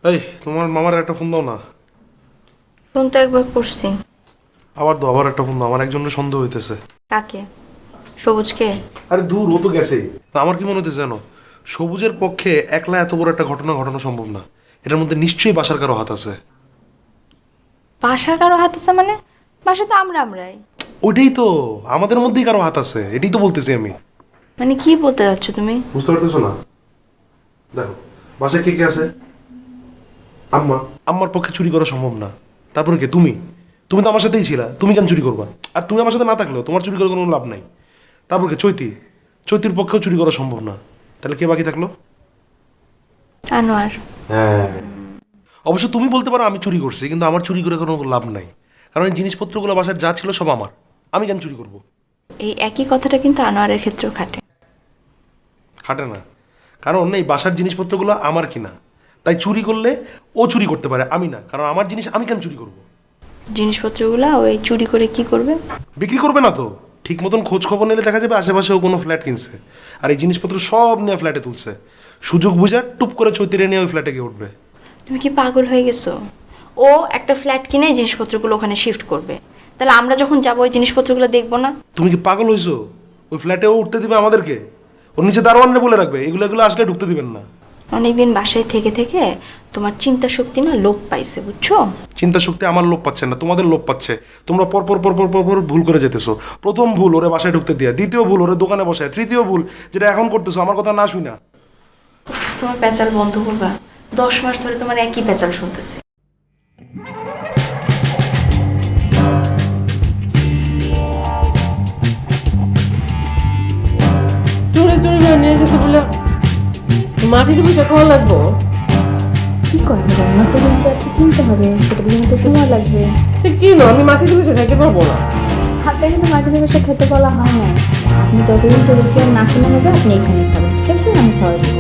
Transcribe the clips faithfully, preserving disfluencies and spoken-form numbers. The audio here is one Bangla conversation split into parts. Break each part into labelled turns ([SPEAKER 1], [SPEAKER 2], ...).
[SPEAKER 1] এই তোমার মামার একটা ফোন দাও না।
[SPEAKER 2] ফোন তো একবার করছি।
[SPEAKER 1] আবার দাও, আবার একটা ফোন দাও, আমার একজনের সন্দেহ হইতেছে।
[SPEAKER 2] কাকে? সবুজকে?
[SPEAKER 1] আরে দূর, ও তো গেছে। তা আমার কি মনে হইতেছে জানো, সবুজের পক্ষে একলা এত বড় একটা ঘটনা ঘটানো সম্ভব না। এটার মধ্যে নিশ্চয়ই বাসার কারো হাত আছে।
[SPEAKER 2] বাসার কারো হাত আছে মানে? বাসা তো আমরা আমরাই।
[SPEAKER 1] ওইটাই তো, আমাদের মধ্যেই কারো হাত আছে, এটাই তো বলতেছি আমি।
[SPEAKER 2] মানে কি বলতে যাচ্ছ তুমি?
[SPEAKER 1] বুঝতে পারতেছো না? দেখো, বাসায় কে কে আছে? আম্মা। আম্মার পক্ষে চুরি করা সম্ভব না। তারপরে কে? তুমি। তুমি তো আমার সাথেই ছিলা, তুমি কেন চুরি করবা? আর তুমি আমার সাথে না থাকলেও তোমার চুরি করে কোনো লাভ নাই। তারপর কে? চৈতি। চৈতির পক্ষেও চুরি করা সম্ভব না। তাহলে কে বাকি থাকলো?
[SPEAKER 2] আনোয়ার।
[SPEAKER 1] হ্যাঁ, অবশ্য তুমি বলতে পারো আমি চুরি করছি, কিন্তু আমার চুরি করে কোনো লাভ নাই। কারণ এই জিনিসপত্রগুলো বাসার যা ছিল সব আমার, আমি কেন চুরি করব?
[SPEAKER 2] এই একই কথাটা কিন্তু আনোয়ারের ক্ষেত্রেও খাটে।
[SPEAKER 1] খাটে না, কারণ এই বাসার জিনিসপত্রগুলো আমার কিনা। তাই চুরি করলে ও চুরি করতে পারে, আমি না। কারণ আমার জিনিস আমি কেন চুরি করব?
[SPEAKER 2] জিনিসপত্রগুলো ওই চুরি করে কি করবে?
[SPEAKER 1] বিক্রি করবে না তো। ঠিক মতন খোঁজ খবর নিলে দেখা যাবে আশেপাশে ও কোনো ফ্ল্যাট কিনছে, আর এই জিনিসপত্র সব নিয়ে ফ্ল্যাটে তুলছে। সুযোগ বুঝা টুপ করে চৈতিরে নিয়ে ওই ফ্ল্যাটে গিয়ে উঠবে।
[SPEAKER 2] তুমি কি পাগল হয়ে গেছো? ও একটা ফ্ল্যাট কিনে এই জিনিসপত্রগুলো ওখানে শিফট করবে। তাহলে আমরা যখন যাবো ওই জিনিসপত্রগুলো দেখবো না?
[SPEAKER 1] তুমি কি পাগল হইছো? ওই ফ্ল্যাটে ও উঠতে দিবে আমাদেরকে? ওর নিচে দারোয়ানরে বলে রাখবে এগুলো এগুলো আসলে ঢুকতে দিবেন না।
[SPEAKER 2] অনেকদিন বাসায় থেকে থেকে তোমার চিন্তা শক্তি না লোপ পাইছে, বুঝছো?
[SPEAKER 1] চিন্তা শক্তি আমার লোপ পাচ্ছে না, তোমাদের লোপ পাচ্ছে। তোমরা পর পর পর পর পর পর ভুল করে যেতেছো। প্রথম ভুল ওরে বাসায় ঢুকতে দিয়া, দ্বিতীয় ভুল ওরে দোকানে বসায়, তৃতীয় ভুল যেটা এখন করতেছো আমার কথা না শুই না।
[SPEAKER 2] তোমার পেঁচাল বন্ধ করবা? দশ মাস ধরে তোমার একই পেঁচাল শুনতেছি।
[SPEAKER 3] চুরি চুরি করে নিয়ে গেছে বলে মাটিতে বসে খাওয়া লাগবো?
[SPEAKER 4] কি করবে? রান্না তো বলছে আজকে কিনতে হবে, সেটা পর্যন্ত সময় লাগবে।
[SPEAKER 3] তো কি না, আমি মাটিতে বসে খাইতে পারবো না।
[SPEAKER 4] হাতে কিন্তু মাটিতে বসে খেতে বলা হয় না। আপনি যতদিন বলেছি আর না কিনে হবে আপনি এখানে খাবেন, ঠিক আছে? আমি খাওয়া দেবো।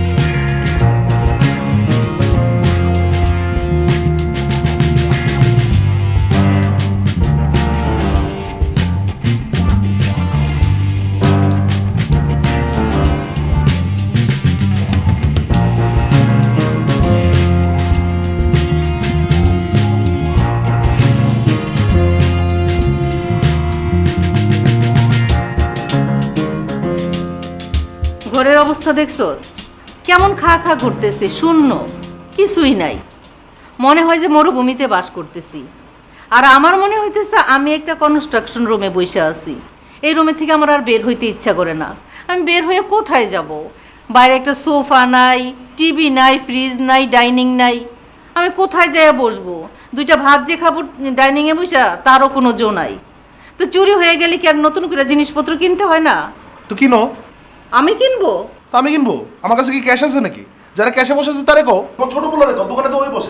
[SPEAKER 5] ঘরের অবস্থা দেখছো কেমন খা খা করতেছে, শূন্য, কিছুই নাই। মনে হয় যে মরুভূমিতে বাস করতেছি। আর আমার মনে হইতেছে আমি একটা কনস্ট্রাকশন রুমে বসে আছি। এই রুমে থেকে আমার আর বের হইতে ইচ্ছা করে না। আমি বের হয়ে কোথায় যাব? বাইরে একটা সোফা নাই, টিভি নাই, ফ্রিজ নাই, ডাইনিং নাই। আমি কোথায় যেয়ে বসবো? দুইটা ভাত যে খাবো ডাইনিংয়ে বসা, তারও কোনো জো নাই। তো চুরি হয়ে গেলে কি আর নতুন করে জিনিসপত্র কিনতে হয় না?
[SPEAKER 1] তো কিনো।
[SPEAKER 5] আমি কিনবো?
[SPEAKER 1] তো আমি কিনবো? আমার কাছে কি ক্যাশ আছে নাকি? যারা ক্যাশে বসে আছে তারে কও, তোমার ছোট বলে রেখো, দোকানে তো ওই বসে।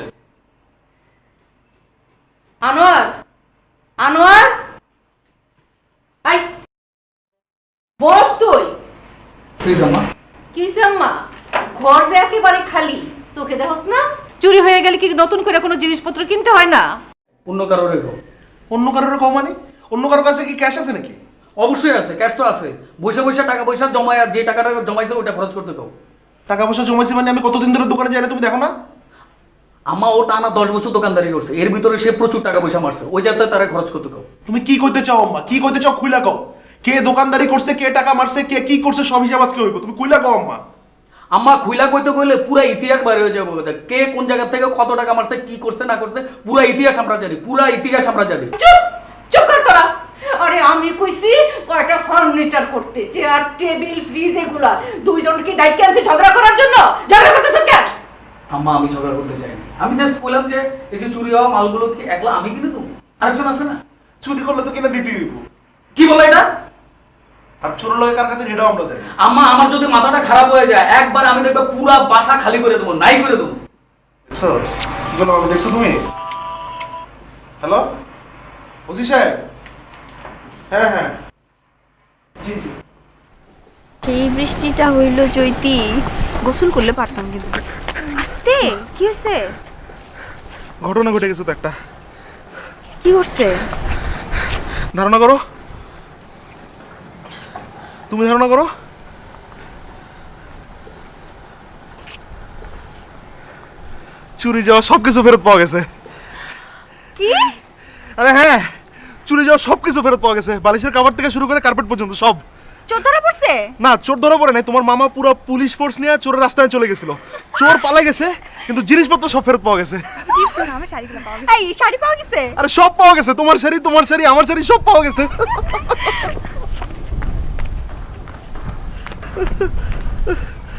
[SPEAKER 5] আনোয়ার, আনোয়ার, আই বস তুই।
[SPEAKER 6] প্লিজ আম্মা।
[SPEAKER 5] কি হইছে আম্মা? ঘর যে একেবারে খালি, চোখে দেখোস না? চুরি হয়ে গেলে কি নতুন করে কোনো জিনিসপত্র কিনতে হয় না?
[SPEAKER 6] অন্য কারো রেখো।
[SPEAKER 1] অন্য কারোর কও মানে? অন্য কারোর কাছে কি ক্যাশ আছে নাকি?
[SPEAKER 6] অবশ্যই আছে, ক্যাশ তো আছে। বৈশা বৈশা টাকা পয়সা জমায়, আর যে টাকাটা জমাইছে ওটা খরচ করতে দাও।
[SPEAKER 1] টাকা পয়সা জমাইছি মানে আমি কতদিন ধরে দোকানে যাই না, তুমি দেখো না?
[SPEAKER 6] আম্মা ও টানা দশ বছর দোকানদারি করছে, এর ভিতরে সে প্রচুর টাকা পয়সা মারছে, ওই যাতে তারা খরচ করতে দাও।
[SPEAKER 1] তুমি কি কইতে চাও আম্মা? কি কইতে চাও খুইলা কও। কে দোকানদারি করছে, কে টাকা মারছে, কে কি করছে, সব হিসাব আজকে হইব। তুমি খুইলা কও আম্মা।
[SPEAKER 6] আম্মা খুইলা কইতে কইলে পুরো ইতিহাস বাইরে হয়ে যাবে, কে কোন জায়গা থেকে কত টাকা মারছে, কি করছে না করছে, পুরো ইতিহাস আমরা জানি, পুরো ইতিহাস আমরা জানি।
[SPEAKER 5] চুপ, চুপ কর তোরা। আরে আমি কইছি কয়টা ফার্নিচার করতে, চেয়ার টেবিল ফ্রিজ এগুলা দুইজনকে ডাইকে আনছে ঝগড়া করার জন্য। ঝগড়া করতেছ কেন?
[SPEAKER 6] আম্মা আমি ঝগড়া করতে চাই না, আমি জাস্ট বললাম যে এই যে চুরি হওয়া মালগুলো কি একলা আমি কিনে দেবো? আরেকজন আছে না?
[SPEAKER 1] চুরি করলে তো কিনা দিতে হইব।
[SPEAKER 6] কি বলে এটা?
[SPEAKER 1] আর চোর লয় কার খাতির এটাও আমরা জানি।
[SPEAKER 6] আম্মা আমার যদি মাথাটা খারাপ হয়ে যায় একবার আমি দেখবো পুরা বাসা খালি করে দেবো, নাই করে দেবো।
[SPEAKER 1] দেখছো কি করলাম আমি? দেখছো তুমি? হ্যালো ওসি সাহেব? হ্যাঁ হ্যাঁ জি জি।
[SPEAKER 2] এই বৃষ্টিটা হইল চৈতি, গোসল করলে পারতাম কিন্তু। আস্তে, কি হয়েছে?
[SPEAKER 1] ঘটনা ঘটে গেছে তো একটা।
[SPEAKER 2] কি করছে?
[SPEAKER 1] ধারণা করো, তুমি ধারণা করো। চুরি যাওয়া সবকিছু ফেরত পাওয়া গেছে।
[SPEAKER 2] কি?
[SPEAKER 1] আরে হ্যাঁ, চুরি যাওয়া সবকিছু ফেরত পাওয়া গেছে, বালিশের কভার থেকে শুরু করে কার্পেট পর্যন্ত সব।
[SPEAKER 2] চোর ধরা পড়ছে?
[SPEAKER 1] না, চোর ধরা পড়ে নাই, তোমার মামা পুরো পুলিশ ফোর্স নিয়ে চোরের রাস্তায় চলে গেছিল। চোর পালা গেছে কিন্তু জিনিসপত্র সব ফেরত পাওয়া গেছে।
[SPEAKER 2] আমার শাড়িগুলো পাওয়া গেছে। এই শাড়ি পাওয়া গেছে?
[SPEAKER 1] আরে সব পাওয়া গেছে, তোমার শাড়ি, তোমার শাড়ি, আমার শাড়ি, সব পাওয়া গেছে।